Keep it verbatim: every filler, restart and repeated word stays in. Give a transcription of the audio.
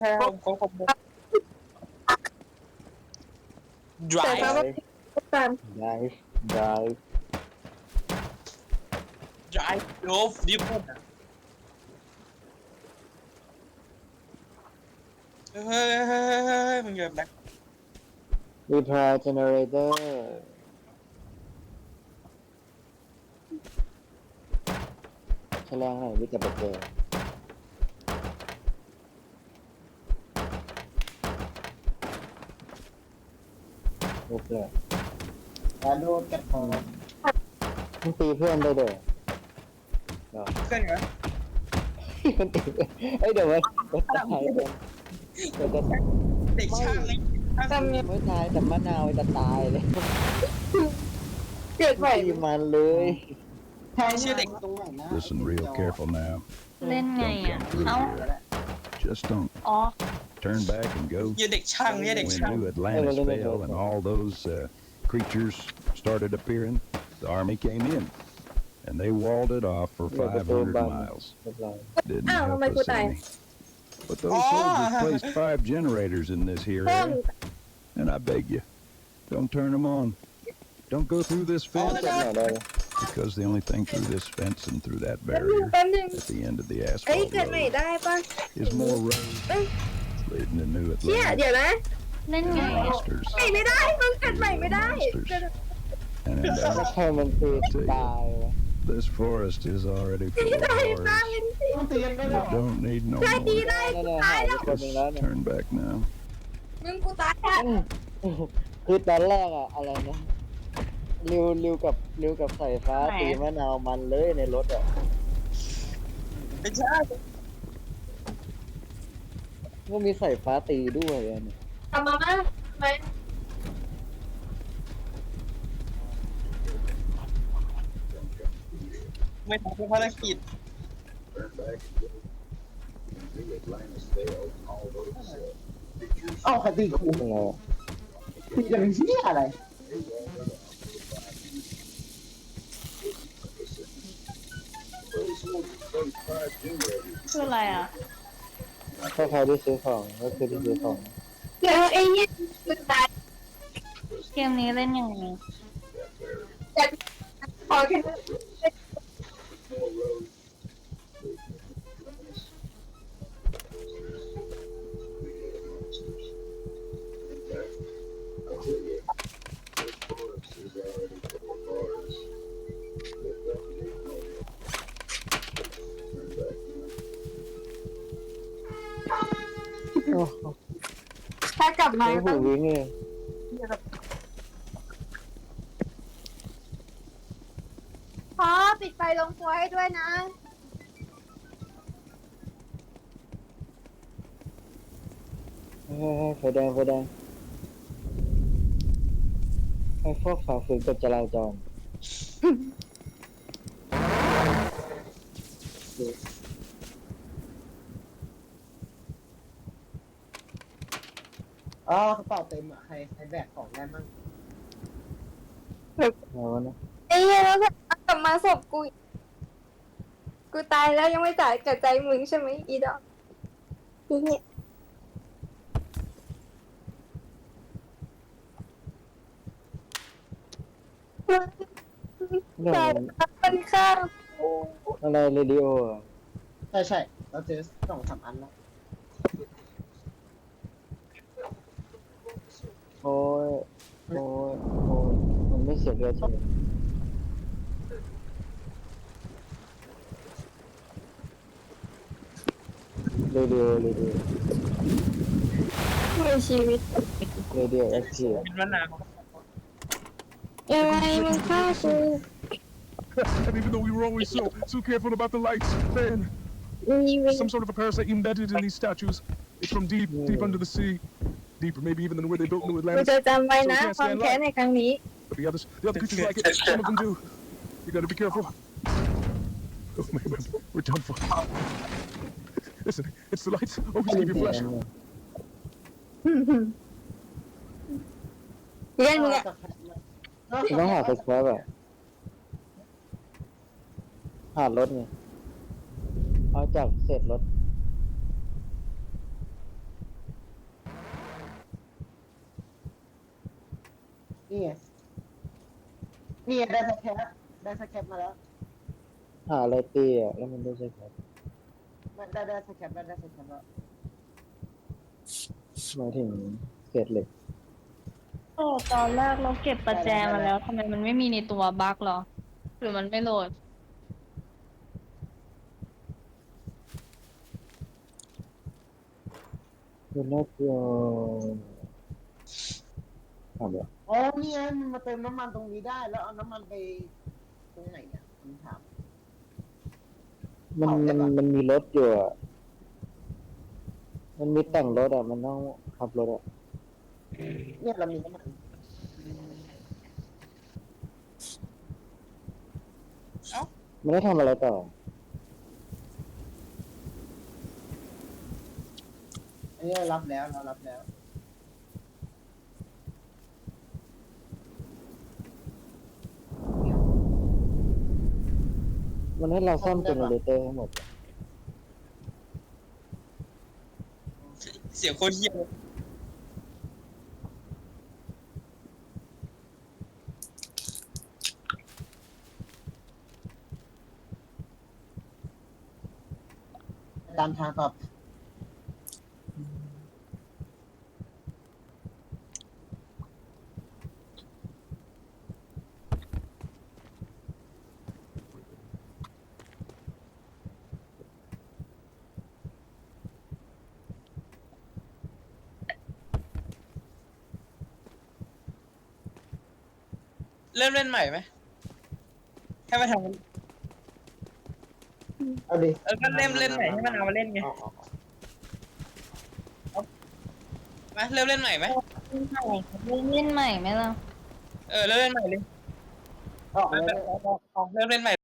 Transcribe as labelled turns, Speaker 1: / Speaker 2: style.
Speaker 1: ใช่ครับเขาคอมโบ
Speaker 2: แต่ถ้า
Speaker 1: drive
Speaker 2: ว่าตาม
Speaker 3: ได้ได้
Speaker 1: drive love different อะเฮ้ยเฮ้ยเฮ้ยเฮ้ยมึงอย่าแบ็ค
Speaker 3: รีพลายเจเนเรเตอร์แฉลงไหนวิจัยเจอรูปเลย
Speaker 4: แล้วโดนกันพอ
Speaker 3: มึงตีเพื่อนได้เด้อเนาะ
Speaker 1: เพื่อนเหรอ
Speaker 3: มันตีเอ้ยเดี๋ยวมันมันตายกันมันจะ
Speaker 1: เด็กช่างเลยช่าง
Speaker 2: จำยัง
Speaker 3: ไม่ตายแต่มะนาวจะตายเลย
Speaker 2: เกิดใหม่
Speaker 3: ตีมันเลย
Speaker 4: ใช่ชื่อเด็กตรงไหนนะ
Speaker 5: Listen real careful now.
Speaker 6: เล่นไง
Speaker 5: Don't
Speaker 6: อ่ะ
Speaker 5: come through
Speaker 6: เอ้า
Speaker 5: here. Just don't
Speaker 6: อ๋อ
Speaker 5: turn back and go.
Speaker 1: เหี้ยเด็กช่างเนี่ยเด็ก
Speaker 5: When
Speaker 1: ช่าง
Speaker 5: New Atlantis fell and all those uh, creatures started appearing, the army came in. And they walled it off for five hundred miles.
Speaker 3: เรียบร้อย
Speaker 5: Didn't
Speaker 2: Oh,
Speaker 5: help
Speaker 2: my
Speaker 5: us
Speaker 2: good eye.
Speaker 5: any. But those
Speaker 1: Oh.
Speaker 5: soldiers placed five generators in this here
Speaker 2: เพิ่ม
Speaker 5: area. And I beg you, don't turn them on. Don't go through this
Speaker 1: Oh,
Speaker 3: เจ็บ
Speaker 5: fence.
Speaker 3: หน่อยได้ไหม
Speaker 5: Because the only thing through this fence and through that
Speaker 2: แป๊บนึง
Speaker 5: barrier
Speaker 2: แป๊บนึง
Speaker 5: at the end of the
Speaker 2: เอ้ย
Speaker 5: asphalt
Speaker 2: เกิดใหม่
Speaker 5: road
Speaker 2: ได้ปะ
Speaker 5: is more road
Speaker 2: เอ้ย
Speaker 5: leading to New
Speaker 2: เชี่ย
Speaker 5: Atlantis.
Speaker 2: เดี๋ยวนะ
Speaker 6: เล่นไงอ่ะ
Speaker 5: Monsters
Speaker 2: ใหม่ไม่ได้มึงเกิดใหม่ไม่ได้
Speaker 5: and in
Speaker 3: ถ้า
Speaker 5: that,
Speaker 3: ใครมันตีตายวะ
Speaker 5: this forest is already
Speaker 2: ตี
Speaker 5: full of
Speaker 2: ได้ตาย
Speaker 5: horrors.
Speaker 2: กันสิ
Speaker 4: ต้องเตือนไม่หรอ
Speaker 5: You don't need no
Speaker 2: ได้ตี
Speaker 5: more.
Speaker 2: ได้
Speaker 3: นั่น
Speaker 2: กู
Speaker 3: น่ะ
Speaker 2: ตา
Speaker 3: หาย ย
Speaker 2: แล้ว
Speaker 3: ไปคนหนึงแล้ว
Speaker 5: Just
Speaker 3: เนี่ย
Speaker 5: turn back now.
Speaker 2: มึงกูตายแล้ว
Speaker 3: คือตอนแรกอะอะไรนะริวริวกับริวกับสายฟ้าตีมะนาวมันเลยในรถอะ
Speaker 1: ไม่ใช่
Speaker 3: ก็มีสายฟ้าตีด้วยอะเนี่ย
Speaker 2: ทำมาม่าไหม
Speaker 1: ไม่ทำภารกิจ
Speaker 4: เอ้าใครตีกู
Speaker 3: เป็นไงอะ
Speaker 4: ตีกันเป็นเชี่ยอะไร
Speaker 6: คืออะไรอ่ะ
Speaker 3: ถ้าใครที่ซื้อของก็คือที่ซื้อของ
Speaker 2: เดี๋ยวไอ้เนี่ยกูตาย
Speaker 6: เกมนี้เล่นยังไง
Speaker 2: แต่ขอแค่
Speaker 3: โอ้โห
Speaker 2: ถ้ากลับมา
Speaker 3: ไม่
Speaker 2: ต้
Speaker 3: หู
Speaker 2: อง
Speaker 3: วิ่งเลย
Speaker 2: พอปิดไฟลงครัวให้ด้วยนะ
Speaker 3: เฮ้ยไฟแดงไฟแดงไอ้พวกฝ่าฝืนกฎจราจร
Speaker 4: อ๋อกระเป๋าเต็มอ่ะใครใครแบกของได้มั่ง
Speaker 3: เอาวะนะ
Speaker 2: ไอ้เหี้ยแล้วกลับมาศพกูอีกกูตายแล้วยังไม่จ่ายกับใจมึงใช่ไหมอีดอกอีเนี่ย
Speaker 3: เรื่อ
Speaker 2: แต่
Speaker 3: ง
Speaker 2: มันฆ่ากู
Speaker 3: อะไรเรดิโออะ
Speaker 4: ใช่ใช่เราเจอสองสามอันแล้ว
Speaker 3: โอ้ยโอ้ยโอ้ยมันไม่เสียเลือดใช่ไหมเรดิโอเรดิโอ
Speaker 2: ในชีวิต
Speaker 3: เรดิโอแอคทีฟ
Speaker 1: เป็นมะนาว
Speaker 2: ยังไงมึงฆ่ากู
Speaker 7: And even though we were always so so careful about the lights, man,
Speaker 2: มีเว
Speaker 7: some sort of a parasite embedded in these statues. It's from deep, deep under the sea, deeper maybe even than where they built New
Speaker 2: กู
Speaker 7: Atlantis.
Speaker 2: จะจำไว้นะความแค้นในครั้งนี้
Speaker 7: But the others, the other creatures like it. Some of them do. You gotta be careful. Oh man, man, we're done for. Listen, it's the lights. Always keep your flash.
Speaker 2: เรียนมึงอะ
Speaker 3: คุณต้องหาสแครปอะหารถไงเอาจากเศษรถ
Speaker 4: นี่ไงนี่ไงได้สแคปได้สแคปมาแล้ว
Speaker 3: หาอะไรตีอ่ะแล้วมันได้ใช่ไหม
Speaker 4: มันได้ได้สแคปได้ได้สแคปแล้ว
Speaker 3: หมายถึงเศษเหล็ก
Speaker 6: โอ้ตอนแรกเราเก็บประแจมาแล้วทำไมมันไม่มีในตัวบั๊กหรอ หรือมันไม่โหลด
Speaker 3: คือน่าจะทำแบบ
Speaker 4: อ๋อนี่ไงมันมาเติมน้ำมันตรงนี้ได้แล้วเอาน้ำมันไปตรงไหนเนี่ยผมถาม
Speaker 3: มันมันมันมีรถอยู่อ่ะมันมีแต่งรถอ่ะมันต้องขับรถอ่ะ
Speaker 4: เนี่ยเรามีน้ำมัน
Speaker 3: มันได้ทำอะไรต่อ
Speaker 4: อันนี้เรารับแล้วเรารับแล้ว
Speaker 3: มันให้เราซ่อมเจเนเรเตอร์ให้หมดอะ
Speaker 1: เสียงโคตรเหี้ยเลย
Speaker 4: ตามทางต่อ
Speaker 1: เริ่มเล่นใหม่ไหมให้มาทำ
Speaker 4: เอาดิ
Speaker 1: เออก็เล่นเล่นใหม่ให้มันเอามาเล่นไง
Speaker 4: เอาเอา
Speaker 1: มาเริ่มเล่นใหม่ไหม
Speaker 6: เล่นใหม่เล่นใหม่ไหมล่ะ
Speaker 1: เออเริ่มเล่นใหม่เลย
Speaker 4: เอาเอา
Speaker 1: เริ่มเล่นใหม่